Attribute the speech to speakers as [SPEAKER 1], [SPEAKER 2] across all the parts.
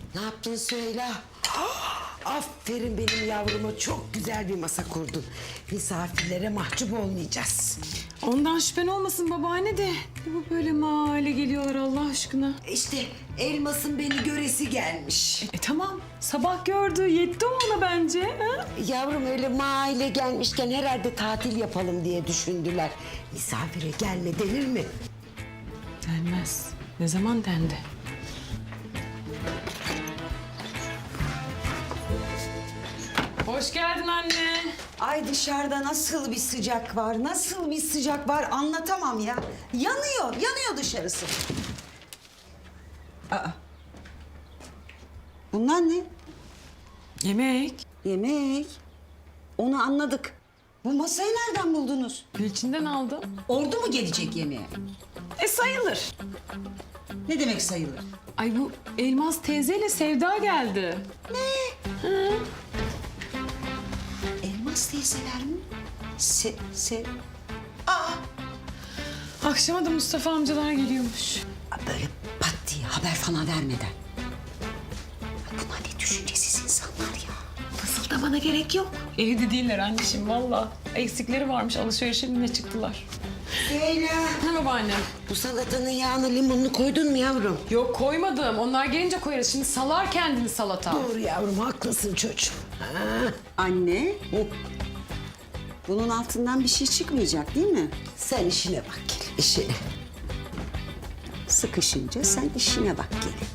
[SPEAKER 1] Ne yaptın söyle. Aferin benim yavruma, çok güzel bir masa kurdun. Misafirlere mahcup olmayacağız.
[SPEAKER 2] Ondan şüphen olmasın babaanne de. Ne bu böyle mahalle geliyorlar Allah aşkına.
[SPEAKER 1] İşte Elmas'ın beni göresi gelmiş.
[SPEAKER 2] Tamam sabah gördü yetti ona bence. Ha?
[SPEAKER 1] Yavrum öyle mahalle gelmişken herhalde tatil yapalım diye düşündüler. Misafire gelme denir mi?
[SPEAKER 2] Denmez. Ne zaman dendi? Hoş geldin anne.
[SPEAKER 3] Ay dışarıda nasıl bir sıcak var, nasıl bir sıcak var anlatamam ya. Yanıyor dışarısı. Aa. Bunlar ne?
[SPEAKER 2] Yemek.
[SPEAKER 3] Yemek. Onu anladık. Bu masayı nereden buldunuz?
[SPEAKER 2] Gülçin'den aldım.
[SPEAKER 3] Ordu mu gelecek yemeğe?
[SPEAKER 2] Sayılır.
[SPEAKER 3] Ne demek sayılır?
[SPEAKER 2] Ay bu Elmas teyzeyle Sevda geldi.
[SPEAKER 3] Elmas teyzeler mi?
[SPEAKER 2] Akşama da Mustafa amcalar geliyormuş.
[SPEAKER 3] Böyle pat diye haber falan vermeden. Ay bunlar ne düşüncesiz insanlar ya.
[SPEAKER 2] Fısıldamana gerek yok. Evde değiller anneciğim valla. Eksikleri varmış alışverişe mi ne çıktılar.
[SPEAKER 1] Leyla,
[SPEAKER 2] Ne babaanne?
[SPEAKER 1] bu salatanın yağını limonunu koydun mu yavrum?
[SPEAKER 2] Yok koymadım. Onlar gelince koyarız. Şimdi salar kendini salata.
[SPEAKER 1] Doğru yavrum, haklısın çocuğum. Ha.
[SPEAKER 3] Anne. Bunun altından bir şey çıkmayacak değil mi?
[SPEAKER 1] Sen işine bak gel, işine.
[SPEAKER 3] Sıkışınca sen işine bak gelin.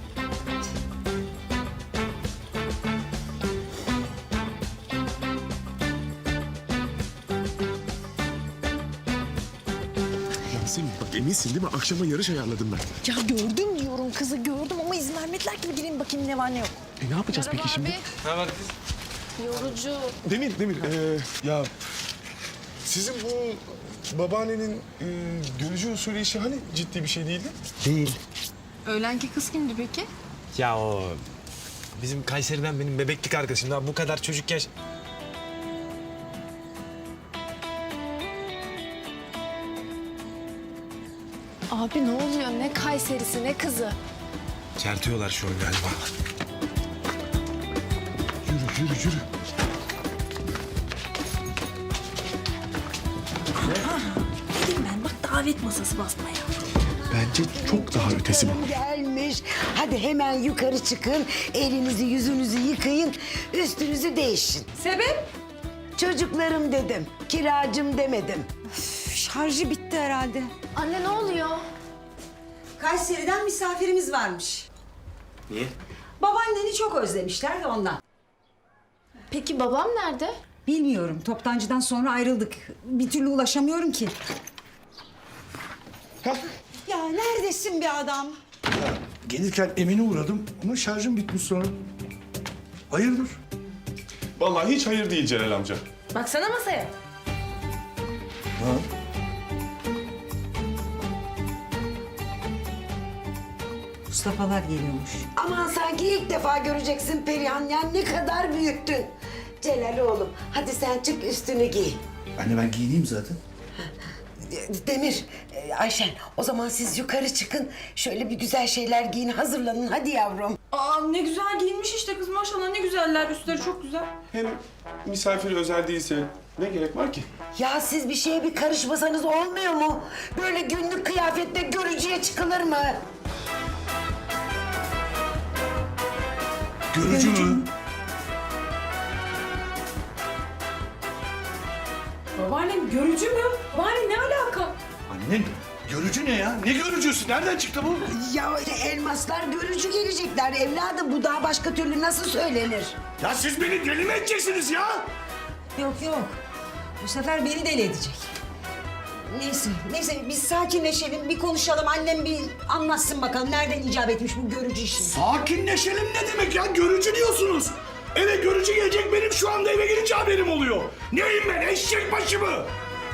[SPEAKER 4] Yasemin bak eminsin değil mi? Akşama yarış ayarladım ben.
[SPEAKER 5] Ya gördüm diyorum kızı gördüm ama izin vermediler ki bir gireyim bakayım ne var ne yok.
[SPEAKER 4] Ne yapacağız peki şimdi?
[SPEAKER 5] Yorucu.
[SPEAKER 4] Demir, ya sizin bu babaannenin görücü usulü işi hani ciddi bir şey değildi?
[SPEAKER 6] Değil.
[SPEAKER 5] Öğlenki kız kimdi peki?
[SPEAKER 6] Ya o bizim Kayseri'den benim bebeklik arkadaşım. Daha bu kadar çocuk yaş...
[SPEAKER 5] Abi ne oluyor ne Kayserisi ne kızı?
[SPEAKER 6] Kertiyorlar şu an galiba.
[SPEAKER 4] Yürü.
[SPEAKER 5] Dedim ben bak davet masası basmaya.
[SPEAKER 4] Bence çok daha ötesi bu.
[SPEAKER 1] Gelmiş. Hadi hemen yukarı çıkın. Elinizi yüzünüzü yıkayın. Üstünüzü değişin.
[SPEAKER 2] Sebep?
[SPEAKER 1] Çocuklarım dedim. Kiracım demedim.
[SPEAKER 3] Şarjı bitti herhalde.
[SPEAKER 5] Anne ne oluyor?
[SPEAKER 3] Kayseri'den misafirimiz varmış.
[SPEAKER 6] Niye?
[SPEAKER 3] Babaanneni çok özlemişler de ondan.
[SPEAKER 5] Peki babam nerede?
[SPEAKER 3] Bilmiyorum. Toptancıdan sonra ayrıldık. Bir türlü ulaşamıyorum ki. Ya neredesin be adam?
[SPEAKER 7] Gelirken Emin'e uğradım ama şarjım bitmiş sonra. Hayırdır?
[SPEAKER 4] Vallahi hiç hayır değil Celal amca.
[SPEAKER 2] Baksana masaya.
[SPEAKER 3] Mustafa'lar geliyormuş.
[SPEAKER 1] Aman sanki ilk defa göreceksin Perihan. Ya ne kadar büyüttün. Celal oğlum, hadi sen çık üstünü giy.
[SPEAKER 7] Anne ben giyineyim zaten.
[SPEAKER 1] Demir, Ayşen, o zaman siz yukarı çıkın. Şöyle bir güzel şeyler giyin, hazırlanın. Hadi yavrum.
[SPEAKER 2] Aa ne güzel giyinmiş işte kız maşallah ne güzeller. Üstleri çok güzel.
[SPEAKER 4] Hem misafir özel değilse ne gerek var ki?
[SPEAKER 1] Ya siz bir şeye bir karışmasanız olmuyor mu? Böyle günlük kıyafetle görücüye çıkılır mı?
[SPEAKER 7] Görücü mü?
[SPEAKER 2] Babaannem görücü mü? Babaanne ne alaka?
[SPEAKER 7] Anne görücü ne ya? Ne görücüsü? Nereden çıktı bu?
[SPEAKER 1] Ya elmaslar görücü gelecekler evladım. Bu daha başka türlü nasıl söylenir?
[SPEAKER 7] Ya siz beni deli mi edeceksiniz ya?
[SPEAKER 3] Yok. Bu sefer beni deli edecek. Neyse biz sakinleşelim, bir konuşalım. Annem bir anlatsın bakalım nereden icap etmiş bu görücü işi.
[SPEAKER 7] Sakinleşelim ne demek ya? Görücü diyorsunuz. Eve görücü gelecek, benim şu anda eve gelince haberim oluyor. Neyim ben, eşek başı mı?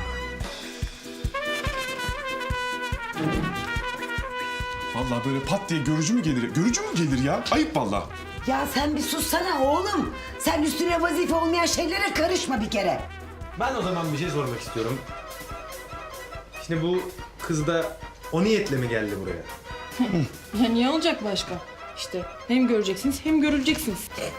[SPEAKER 4] Vallahi böyle pat diye görücü mü gelir? Görücü mü gelir ya? Ayıp vallahi.
[SPEAKER 1] Ya sen bir sussana oğlum. Sen üstüne vazife olmayan şeylere karışma bir kere.
[SPEAKER 6] Ben o zaman bir şey sormak istiyorum. Şimdi bu kız da o niyetle mi geldi buraya?
[SPEAKER 2] Ya niye olacak başka? İşte hem göreceksiniz hem görüleceksiniz.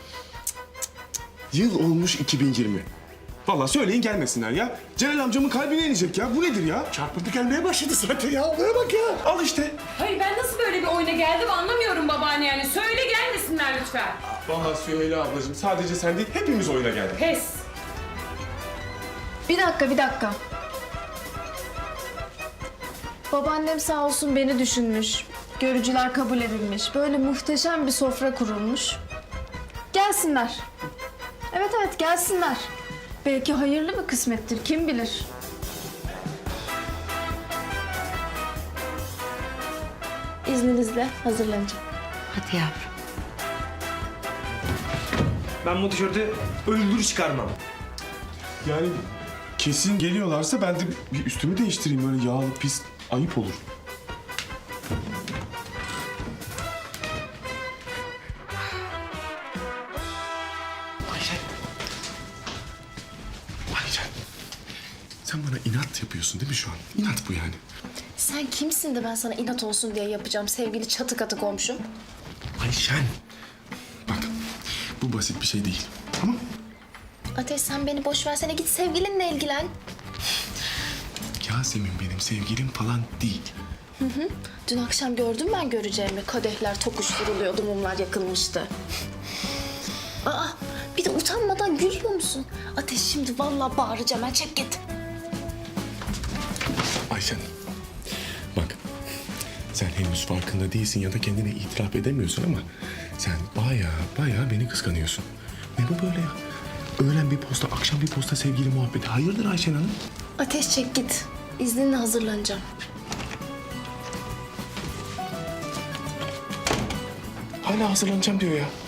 [SPEAKER 4] Yıl olmuş 2020. Vallahi söyleyin gelmesinler ya. Celal amcamın kalbine inecek ya. Bu nedir ya?
[SPEAKER 7] Çarpıntı gelmeye başladı zaten ya. Olaya bak ya.
[SPEAKER 4] Al işte.
[SPEAKER 2] Hayır ben nasıl böyle bir oyuna geldim anlamıyorum babaanne yani. Söyle gelmesinler lütfen.
[SPEAKER 4] Vallahi Süheyla ablacığım sadece sen değil hepimiz oyuna geldik.
[SPEAKER 2] Pes.
[SPEAKER 5] Bir dakika. Babaannem sağ olsun beni düşünmüş. Görücüler kabul edilmiş. Böyle muhteşem bir sofra kurulmuş. Gelsinler. Evet gelsinler. Belki hayırlı bir kısmettir kim bilir. İzninizle hazırlanacağım.
[SPEAKER 1] Hadi yavrum.
[SPEAKER 6] Ben bu tişörtü öldür çıkarmam.
[SPEAKER 4] Yani kesin geliyorlarsa ben de bir üstümü değiştireyim. Böyle yağlı pis ayıp olur. Ayşen. Sen bana inat yapıyorsun değil mi şu an? İnat bu yani.
[SPEAKER 5] Sen kimsin de ben sana inat olsun diye yapacağım sevgili çatı katı komşum?
[SPEAKER 4] Ayşen. Bak bu basit bir şey değil. Tamam?
[SPEAKER 5] Ateş sen beni boş versene git sevgilinle ilgilen.
[SPEAKER 4] Yasemin benim sevgilim falan değil.
[SPEAKER 5] Dün akşam gördüm ben göreceğimi. Kadehler tokuşturuluyordu, mumlar yakılmıştı. Aa, bir de utanmadan gülüyor musun? Ateş şimdi vallahi bağıracağım. Ben çek git.
[SPEAKER 4] Ayşen. Bak. Sen henüz farkında değilsin ya da kendine itiraf edemiyorsun ama sen bayağı beni kıskanıyorsun. Ne bu böyle ya? Öğlen bir posta, akşam bir posta sevgili muhabbeti. Hayırdır Ayşen Hanım?
[SPEAKER 5] Ateş çek git. İzninle hazırlanacağım.
[SPEAKER 4] Hala hazırlanacağım diyor ya.